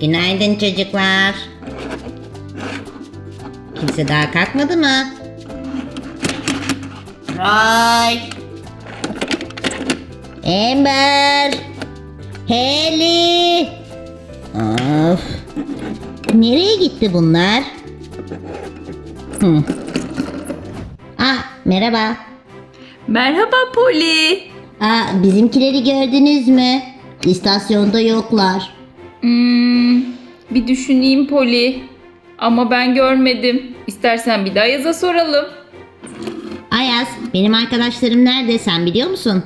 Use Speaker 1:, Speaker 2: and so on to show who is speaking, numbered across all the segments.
Speaker 1: Günaydın çocuklar. Kimse daha kalkmadı mı? Roy. Amber. Haley. Of. Nereye gitti bunlar? Merhaba.
Speaker 2: Merhaba Polly.
Speaker 1: Bizimkileri gördünüz mü? İstasyonda yoklar.
Speaker 2: Bir düşüneyim Polly. Ama ben görmedim. İstersen bir daha Ayaz'a soralım.
Speaker 1: Ayaz, benim arkadaşlarım nerede sen biliyor musun?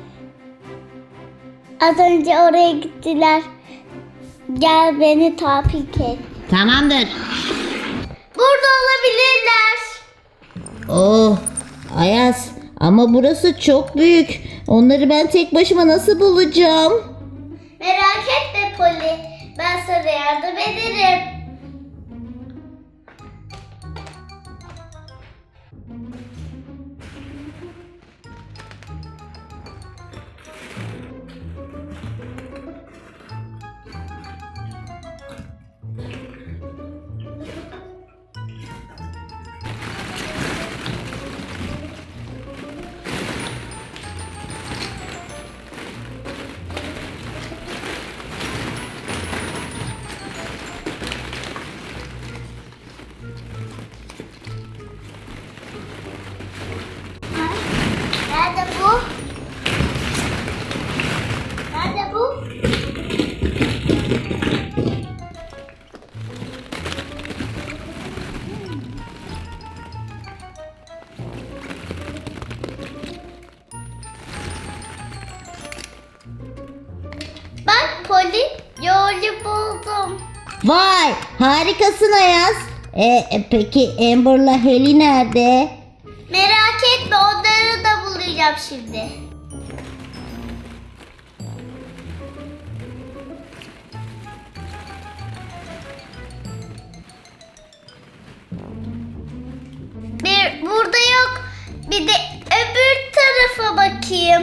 Speaker 3: Az önce oraya gittiler. Gel beni takip et.
Speaker 1: Tamamdır.
Speaker 3: Burada olabilirler.
Speaker 1: Oh, Ayaz ama burası çok büyük. Onları ben tek başıma nasıl bulacağım?
Speaker 3: Merak etme Polly. Ben sana yardım ederim. Nerede bu? Nerede bu? Bak Polly, yolu buldum.
Speaker 1: Vay, harikasın Ayaz. Peki Amber'la Haley nerede?
Speaker 3: Merak etme, onları da bulacağım şimdi. Burada yok. Bir de öbür tarafa bakayım.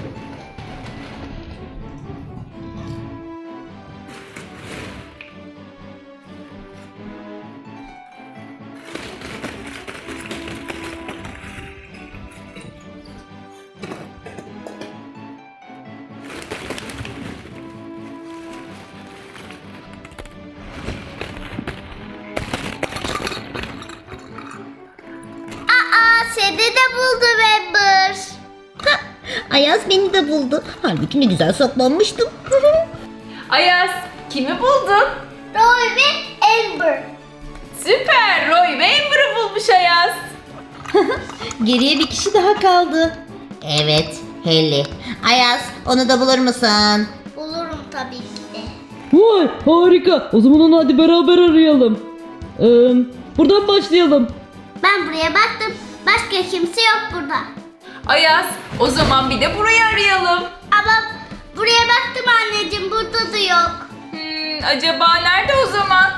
Speaker 3: Seni de buldum Amber.
Speaker 1: Ayaz beni de buldu. Halbuki ne güzel saklanmıştım.
Speaker 2: Ayaz, kimi buldun?
Speaker 3: Roy ve Amber.
Speaker 2: Süper, Roy ve Amber'ı bulmuş Ayaz.
Speaker 1: Geriye bir kişi daha kaldı. Evet, Haley. Ayaz, onu da bulur musun?
Speaker 3: Bulurum tabii ki de.
Speaker 4: Vay harika. O zaman onu hadi beraber arayalım. Buradan başlayalım.
Speaker 3: Ben buraya baktım. Başka kimse yok burada.
Speaker 2: Ayaz, o zaman bir de burayı arayalım.
Speaker 3: Ama buraya baktım anneciğim. Burada da yok.
Speaker 2: Acaba nerede o zaman?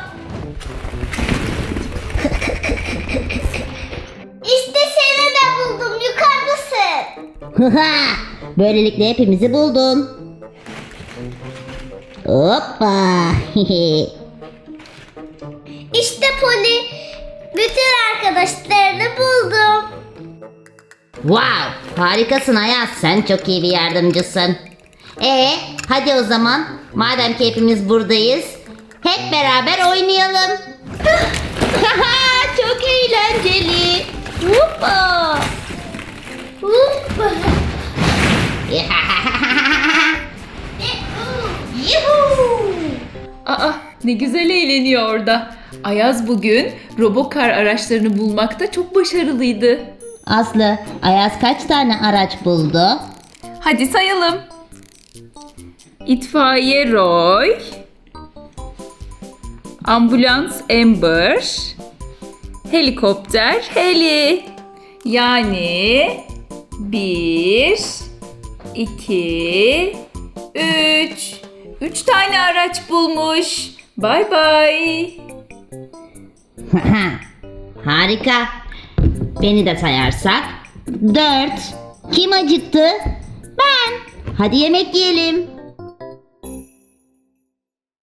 Speaker 3: İşte seni de buldum. Yukarıdasın.
Speaker 1: Böylelikle hepimizi buldun. Hoppa.
Speaker 3: İşte Polly. Bütün arkadaşlarını buldum.
Speaker 1: Wow, harikasın Ayaz. Sen çok iyi bir yardımcısın. Hadi o zaman. Madem ki hepimiz buradayız, hep beraber oynayalım. Çok eğlenceli. Hoppa.
Speaker 3: Hoppa.
Speaker 1: Yuhuu.
Speaker 2: Aa, ne güzel eğleniyor orada. Ayaz bugün robokar araçlarını bulmakta çok başarılıydı.
Speaker 1: Aslı, Ayaz kaç tane araç buldu?
Speaker 2: Hadi sayalım. İtfaiye Roy, ambulans Amber, helikopter Haley. Yani 1, 2, 3. 3 tane araç bulmuş. Bay bay.
Speaker 1: Harika. Beni de sayarsak 4. Kim acıktı? Ben. Hadi yemek yiyelim.